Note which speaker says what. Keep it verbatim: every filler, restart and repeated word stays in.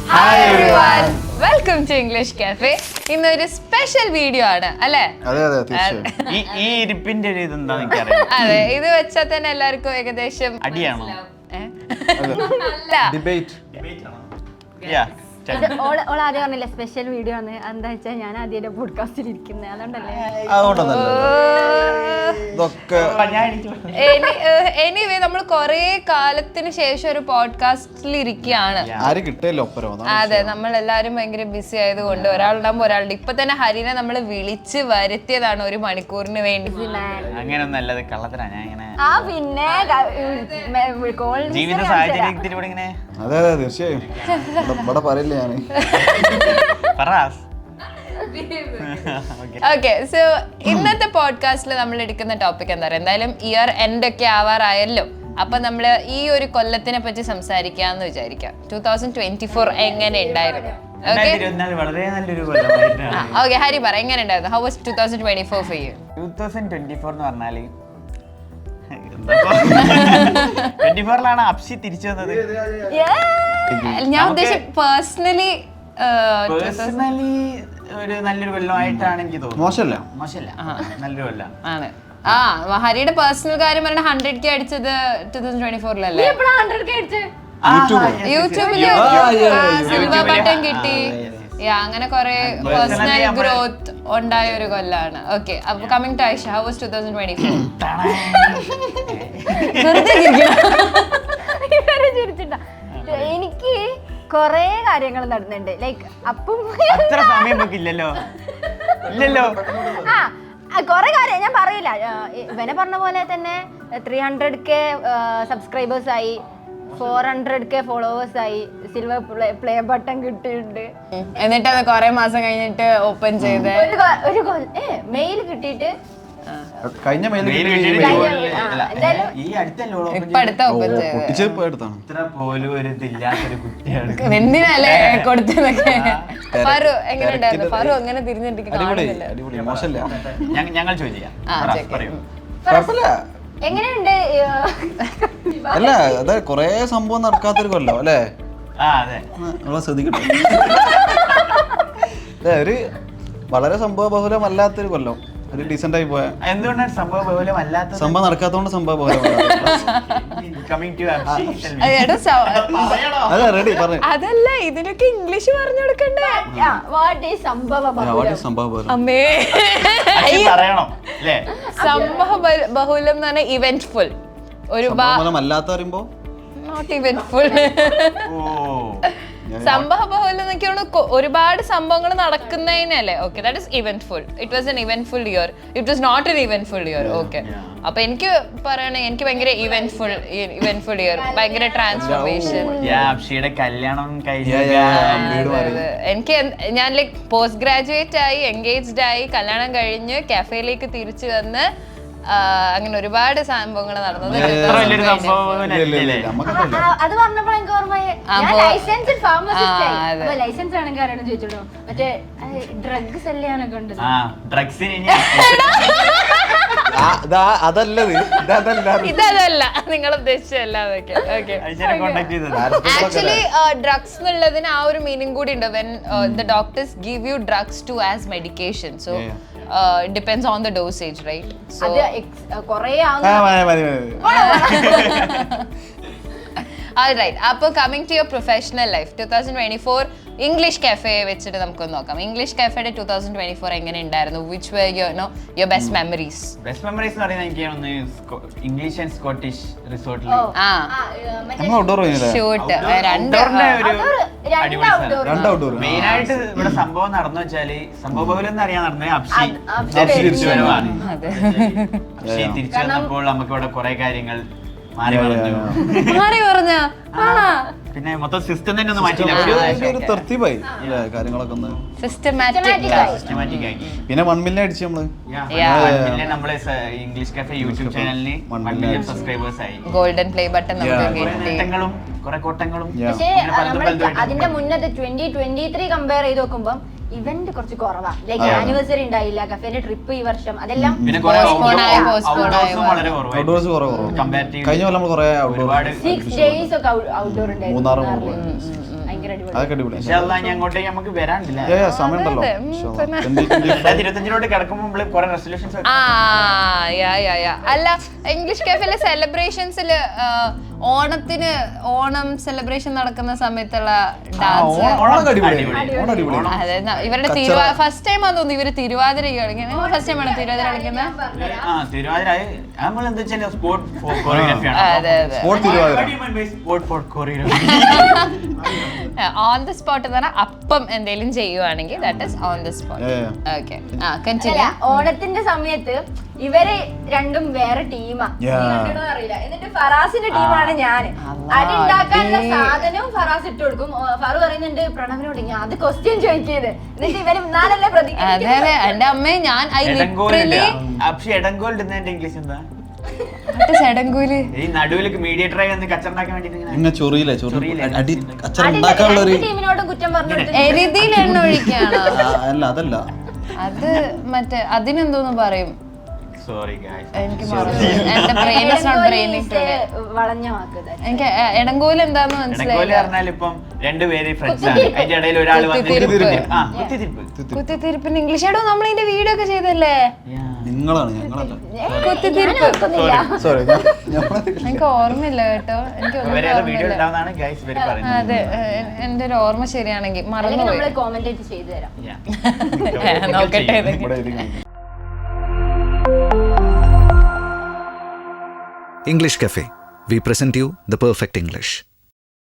Speaker 1: Hi everyone, welcome to English cafe. ഇന്നൊരു special video ആണ് അല്ലേ?
Speaker 2: അതെ അതെ തീർച്ചയായും.
Speaker 3: ഈ ഈ ഇരിപ്പിന്റെ ഒരു ഇതെന്താ എനിക്കറിയാം.
Speaker 1: അതെ, ഇത് വെച്ചാൽ തന്നെ എല്ലാവർക്കും ഏകദേശം
Speaker 3: അടിയാണോ?
Speaker 2: ഡിബേറ്റ്
Speaker 4: ഓൾ ആദ്യം പറഞ്ഞില്ലേ സ്പെഷ്യൽ വീഡിയോ ആണ്. എന്താ വെച്ചാൽ ഞാൻ ആദ്യം പോഡ്കാസ്റ്റിൽ ഇരിക്കുന്നത്, അതുകൊണ്ടല്ലേ.
Speaker 2: അതുകൊണ്ടൊന്നല്ല ഇതൊക്കെ
Speaker 1: എനിവേ നമ്മൾ കൊറേ കാലത്തിന് ശേഷം ഒരു പോഡ്കാസ്റ്റിൽ ഇരിക്കുകയാണ്.
Speaker 2: ആരും കിട്ടിയല്ലോ ഒപ്പരോ.
Speaker 1: അതെ, നമ്മൾ എല്ലാരും ഭയങ്കര ബിസി ആയതുകൊണ്ട് ഒരാളുണ്ടാകുമ്പോ ഒരാളുടെ ഇപ്പൊ തന്നെ ഹരിനെ നമ്മൾ വിളിച്ച് വരുത്തിയതാണ് ഒരു മണിക്കൂറിന് വേണ്ടി.
Speaker 3: അങ്ങനെയൊന്നല്ലത് കള്ളത്തരാ. ഞാൻ ഇങ്ങനെ
Speaker 4: ആ പിന്നെ
Speaker 3: ജീവിത സാഹചര്യത്തിലൂടെ ഇങ്ങനെ
Speaker 2: അതെ അതെ തീർച്ചയായും ഇവിടെ പറയില്ല ഞാൻ.
Speaker 1: ഓക്കെ, സോ ഇന്നത്തെ പോഡ്കാസ്റ്റിൽ നമ്മൾ എടുക്കുന്ന ടോപ്പിക് എന്താ പറയുക, എന്തായാലും ഇയർ എൻഡ് ഒക്കെ ആവാറായല്ലോ. അപ്പൊ നമ്മള് ഈ ഒരു കൊല്ലത്തിനെ പറ്റി സംസാരിക്കാന്ന് വിചാരിക്കാം. ടൂ തൗസൻഡ് ട്വന്റി ഫോർ എങ്ങനെ ഉണ്ടായിരുന്നു?
Speaker 3: വളരെ നല്ലൊരു കൊല്ലമായിരുന്നു.
Speaker 1: ഓക്കെ, ഹരി പറ, എങ്ങനെ ഉണ്ടായിരുന്നു? How was two thousand twenty four for you?
Speaker 3: Two thousand twenty four എന്ന് പറഞ്ഞാല് ട്വന്റി ഫോറിലാണ് അപ്ഷി തിരിച്ചു വന്നത്.
Speaker 1: ഞാൻ ഉദ്ദേശിച്ച പേഴ്സണലി
Speaker 3: പേഴ്സണലി ഒരു നല്ലൊരു കൊല്ലമായിട്ടാണ് എനിക്ക് തോന്നുന്നത്.
Speaker 2: മോശമല്ല
Speaker 3: മോശമല്ല, നല്ലൊരു കൊല്ലം ആണ്.
Speaker 1: ആ, ഹരിയുടെ പേഴ്സണൽ കാര്യം പറഞ്ഞ ഹൺഡ്രഡ് കെ അടിച്ചത് ടൂ തൗസൻഡ് ട്വന്റി ഫോറിലല്ലേ? യൂട്യൂബില് സിൽവർ ബട്ടൺ കിട്ടി. അങ്ങനെ കുറെ പേഴ്സണൽ ഗ്രോത്ത് ഉണ്ടായ ഒരു കൊല്ലാണ്. ഓക്കെ, അപ്പൊ coming to Aisha, how was two thousand twenty four?
Speaker 4: എനിക്ക് കൊറേ കാര്യങ്ങൾ നടന്നുണ്ട്. ലൈക്ക് അപ്പം
Speaker 3: അത്ര സമയം നോക്കില്ലല്ലോ. ഇല്ലല്ലോ,
Speaker 4: ആ കൊറേ കാര്യം ഞാൻ പറയില്ല. ഇവനെ പറഞ്ഞ പോലെ തന്നെ ത്രീ ഹൺഡ്രഡ് കെ സബ്സ്ക്രൈബേഴ്സ് ആയി, ഫോർ ഹൺഡ്രഡ് കെ ഫോളോവേഴ്സ് ആയി, സിൽവർ പ്ലേ ബട്ടൺ കിട്ടിയിട്ടുണ്ട്.
Speaker 1: എന്നിട്ട് അത് കൊറേ മാസം കഴിഞ്ഞിട്ട് ഓപ്പൺ ചെയ്ത്
Speaker 4: ഒരു മെയിൽ കിട്ടിയിട്ട്
Speaker 2: കഴിഞ്ഞ
Speaker 3: പോലും ഒരു ഇതില്ലാത്തൊരു കുട്ടിയാണ്.
Speaker 1: എന്തിനല്ലേ കൊടുത്തതൊക്കെ? ഫാറു എങ്ങനെ ഉണ്ടായിരുന്നു? ഫാറു അങ്ങനെ തിരിഞ്ഞിട്ട്
Speaker 2: അടിപൊളി മോശമല്ല.
Speaker 3: ഞങ്ങൾ ചോദിക്കാം.
Speaker 4: എങ്ങനെയുണ്ട്?
Speaker 2: അല്ല അതെ കൊറേ സംഭവം നടക്കാത്തൊരു കൊല്ലോ അല്ലേ? നമ്മളെ ശ്രദ്ധിക്കട്ടെ. അതെ, ഒരു വളരെ സംഭവ ബഹുലമല്ലാത്തൊരു കൊല്ലം, ഒരു ഡീസന്റ് ആയി പോയ.
Speaker 3: എന്തുകൊണ്ടാണ് സംഭവ ബഹുലമല്ലാത്ത?
Speaker 2: സംഭവം നടക്കാത്തോണ്ട് സംഭവ ബഹുലം. അതെ റെഡി പറഞ്ഞു.
Speaker 1: അതല്ല, ഇതിനൊക്കെ ഇംഗ്ലീഷ് പറഞ്ഞു കൊടുക്കണ്ടേ?
Speaker 2: സംഭവ
Speaker 1: അമ്മേ, സംഭവ ബഹുലം എന്ന് പറഞ്ഞാൽ ഇവന്റ്ഫുൾ. ഒരു
Speaker 2: അല്ലാത്ത പറയുമ്പോ
Speaker 1: നോട്ട് ഇവന്റ്ഫുൾ. സംഭവ ബഹുലം എന്നൊക്കെയാണ് ഒരുപാട് സംഭവങ്ങൾ നടക്കുന്നതിനല്ലേ? Okay, that is eventful. It was an eventful year. It was not an eventful year. Okay, അപ്പൊ എനിക്ക് പറയണേ, എനിക്ക് ഭയങ്കര ഇവന്റ്ഫുൾ ഇവന്റ്ഫുൾ ഇയർ, ഭയങ്കര ട്രാൻസ്ഫോർമേഷൻ.
Speaker 3: അപ്ഷിയുടെ കല്യാണം
Speaker 1: എനിക്ക് ഞാൻ ലൈക് പോസ്റ്റ് ഗ്രാജുവേറ്റ് ആയി, എൻഗേജ്ഡ് ആയി, കല്യാണം കഴിഞ്ഞ് കാഫേയിലേക്ക് തിരിച്ചു വന്ന് അങ്ങനെ ഒരുപാട് സംഭവങ്ങൾ നടന്നത്.
Speaker 4: അത് പറഞ്ഞപ്പോൾ എനിക്ക് ഓർമ്മയായി, ലൈസൻസ് ഫാർമസിസ്റ്റ് ലൈസൻസ് ആണെങ്കിൽ ആരാണ് ചോദിച്ചോളൂ, മറ്റേ ഡ്രഗ്സ് സെല്ലാനൊക്കെ ഉണ്ട്.
Speaker 2: അതല്ലത്
Speaker 1: ഇതല്ല നിങ്ങൾ ഉദ്ദേശിച്ചല്ല. ആക്ച്വലി ഡ്രഗ്സ് എന്നുള്ളതിന് ആ ഒരു മീനിങ് കൂടി ഉണ്ട്. When the doctors give you drugs to as medication, so Uh, it depends on the dosage, right? So
Speaker 4: korey
Speaker 1: all right, appo coming to your professional life, twenty twenty-four English cafe വെച്ചിട്ട് നമുക്കൊന്ന് നോക്കാം. English കാഫേയുടെ two thousand twenty four എങ്ങനെ ഉണ്ടായിരുന്നു? Which were your no your best memories?
Speaker 3: Best memories എന്ന് പറയുന്നത് എനിക്ക് ഒന്ന് ഇംഗ്ലീഷ് ആൻഡ് സ്കോട്ടിഷ് റിസോർട്ടിൽ
Speaker 1: ഷൂട്ട്
Speaker 3: മെയിൻ ആയിട്ട് ഇവിടെ സംഭവം നടന്നു വെച്ചാല്, സംഭവ ബഹുലം എന്ന് അറിയാൻ നടന്നത് അപ്ഷി തിരിച്ചു വരവാണ്. അപ്ഷി തിരിച്ചു വന്നപ്പോൾ നമുക്ക് ഇവിടെ കുറെ കാര്യങ്ങൾ മാറി
Speaker 1: പറഞ്ഞ
Speaker 3: പിന്നെ മൊത്തം സിസ്റ്റം തന്നെ ഒന്ന് മാറ്റില്ല.
Speaker 2: തർത്തീബായി കാര്യങ്ങളൊക്കെ ഒന്ന്
Speaker 1: സിസ്റ്റമാറ്റിക്
Speaker 3: ആക്കി.
Speaker 2: പിന്നെ വൺ മില്യൺ അടിച്ചു നമ്മള്.
Speaker 3: നമ്മളെ ഇംഗ്ലീഷ് കാഫേ യൂട്യൂബ് ചാനലിന് വൺ മില്യൺ സബ്സ്ക്രൈബേഴ്സ് ആയി.
Speaker 1: ഗോൾഡൻ പ്ലേ ബട്ടൺ
Speaker 3: നേട്ടങ്ങളും കുറെ കോട്ടങ്ങളും.
Speaker 4: പക്ഷേ അതിന്റെ മുന്നത്തെ ട്വന്റി ട്വന്റി ത്രീ കമ്പയർ ചെയ്ത് നോക്കുമ്പോ ഇവന്റ് കുറച്ച് കുറവാ. ലൈക്ക് ആനിവേഴ്സറി ഉണ്ടായില്ല, കഫേന്റെ ട്രിപ്പ് ഈ വർഷം, അതെല്ലാം
Speaker 2: കഴിഞ്ഞ കൊല്ലം കുറെ
Speaker 4: സിക്സ് ഡേയ്സ് ഒക്കെ ഔട്ട്ഡോർ ഉണ്ടായിരുന്നു. ഭയങ്കര അടിപൊളി.
Speaker 2: അതൊക്കെ അടിപൊളി.
Speaker 3: ഇൻഷാ അല്ലാഹ് ഇനി അങ്ങോട്ടേക്ക് നമുക്ക് വരാനില്ല.
Speaker 2: ഏ, സമയമുണ്ടല്ലോ.
Speaker 1: അതെ, ഉം,
Speaker 2: ഇൻഷാ അല്ലാ.
Speaker 1: പിന്നെ.
Speaker 2: Twenty twenty five.
Speaker 3: രണ്ടായിരത്തി ഇരുപത്തഞ്ചിലോട്ട് കിടക്കുമ്പോൾ നമ്മള് കുറെ റെസൊല്യൂഷൻസ്
Speaker 1: ആ യാ യാ യാ അല്ല ഇംഗ്ലീഷ് കഫേയിലെ സെലിബ്രേഷൻസിൽ ഓണത്തിന് ഓണം സെലിബ്രേഷൻ നടക്കുന്ന സമയത്തുള്ള ഡാൻസ്
Speaker 2: ഓണം അടിപൊളി. ഓണം അടിപൊളി.
Speaker 1: അതെ ന- ഇവരുടെ തിരുവാ ഫസ്റ്റ് ടൈം ആണെന്ന് തോന്നുന്നു ഇവര് തിരുവാതിര കളിക്കുന്നത്. ഫസ്റ്റ് ടൈം ആണോ തിരുവാതിര കളിക്കുന്നത്?
Speaker 3: ആ തിരുവാതിര നമ്മൾ എന്താ വെച്ചാൽ സ്പോർട്ട് കൊറിയോഗ്രാഫിയാണ്.
Speaker 1: അതെ അതെ
Speaker 2: sport Thiruvathira.
Speaker 3: Sport for choreography.
Speaker 1: On the spot എന്ന് പറഞ്ഞാൽ അപ്പം എന്തെങ്കിലും ചെയ്യുവാണെങ്കിൽ that is on the spot. Okay ആ
Speaker 4: അല്ല,
Speaker 1: കണ്ടിന്യൂ.
Speaker 4: ഓണത്തിന്റെ സമയത്ത് ഇവര് രണ്ടും വേറെ ടീമാ.
Speaker 2: Yeah.
Speaker 4: അറിയില്ല. എന്നിട്ട് ഫറാസിന്റെ ടീമാണ് ഞാൻ. അടി ഉണ്ടാക്കാനുള്ള സാധനവും ഫറാസ് ഇട്ട് കൊടുക്കും. ഓ, ഫറു പറയുന്നുണ്ട് പ്രണവിനോട് ഞാൻ അത് ക്വസ്റ്റ്യൻ ചോദിക്കരുത്. എന്നിട്ട് ഇവര് നാലല്ലേ
Speaker 1: അതെ
Speaker 4: പ്രതികരിക്കുന്നത്.
Speaker 1: അതെ എന്റെ അമ്മയെ ഞാൻ ഐ
Speaker 3: എടങ്കോൽ
Speaker 1: ലിറ്ററലി
Speaker 3: പക്ഷെ എടങ്കോൽ ഇടുന്നതിന്റെ ഇംഗ്ലീഷ് എന്താ?
Speaker 1: ചെടങ്കൂല്
Speaker 3: ഈ നടുവിലേക്ക് മീഡിയേറ്ററായി വന്ന് കച്ചറുണ്ടാക്കാൻ വേണ്ടിട്ട് ഇങ്ങനെ
Speaker 2: ഇങ്ങനെ ചൊറിയില്ലേ ചൊറി
Speaker 3: ചൊറിയില്ലേ?
Speaker 2: അടി കച്ചറ
Speaker 4: അതിന്റെ
Speaker 2: ഉണ്ടാക്കാനുള്ള ഒരു
Speaker 4: രണ്ട് ടീമിനോടും കുറ്റം പറഞ്ഞു കൊടുത്തിട്ട്
Speaker 1: എരുതിയിൽ എണ്ണ ഒഴിക്കാണോ?
Speaker 2: അല്ല അതല്ല
Speaker 1: അത് മറ്റേ അതിനെന്തോന്ന് പറയും
Speaker 3: സോറി ഗായ്സ്.
Speaker 1: എനിക്ക് മറന്നു. എന്റെ brain is not braining today.
Speaker 4: വളഞ്ഞ വാക്ക്
Speaker 1: എനിക്ക് എ- എടങ്കോല് എന്താന്ന്
Speaker 3: എടങ്കോല്
Speaker 1: മനസ്സിലായില്ല.
Speaker 3: പറഞ്ഞാൽ ഇപ്പം രണ്ടുപേര് ഫ്രണ്ട്സ് ആണ്. അതിന്റെ ഇടയിൽ ഒരാൾ വന്ന്
Speaker 1: കുത്തിത്തിരിപ്പ്.
Speaker 3: ആ കുത്തിത്തിരിപ്പ്.
Speaker 1: കുത്തിത്തിരിപ്പിന് ഇംഗ്ലീഷ് ആടോ നമ്മൾ ഇതിന്റെ വീഡിയോ ഒക്കെ ചെയ്തല്ലേ?
Speaker 2: നിങ്ങളാണ് ഞങ്ങളല്ല.
Speaker 1: കുത്തിത്തിരിപ്പ്
Speaker 2: സോറി
Speaker 1: എനിക്ക് ഓർമ്മയില്ല കേട്ടോ. എനിക്ക് ഒന്നും
Speaker 3: വേറെ ഏതോ വീഡിയോ
Speaker 1: ഓർമ്മയില്ല.
Speaker 3: ഉണ്ടാവുന്നതാണ് ഗൈസ് ഇവര് പറയുന്നത്.
Speaker 1: അതെ എ- എന്റെ ഒരു ഓർമ്മ ശരിയാണെങ്കിൽ
Speaker 4: അല്ലെങ്കിൽ
Speaker 1: മറന്നുപോയി.
Speaker 4: നമ്മള് കോമന്റേറ്റ് ചെയ്തു തരാം.
Speaker 3: Yeah.
Speaker 1: നോക്കട്ടെ ഇതൊക്കെ.
Speaker 2: ഇവിടെ ഇരിക്കുന്നു.
Speaker 5: English Cafe. We present you the perfect English.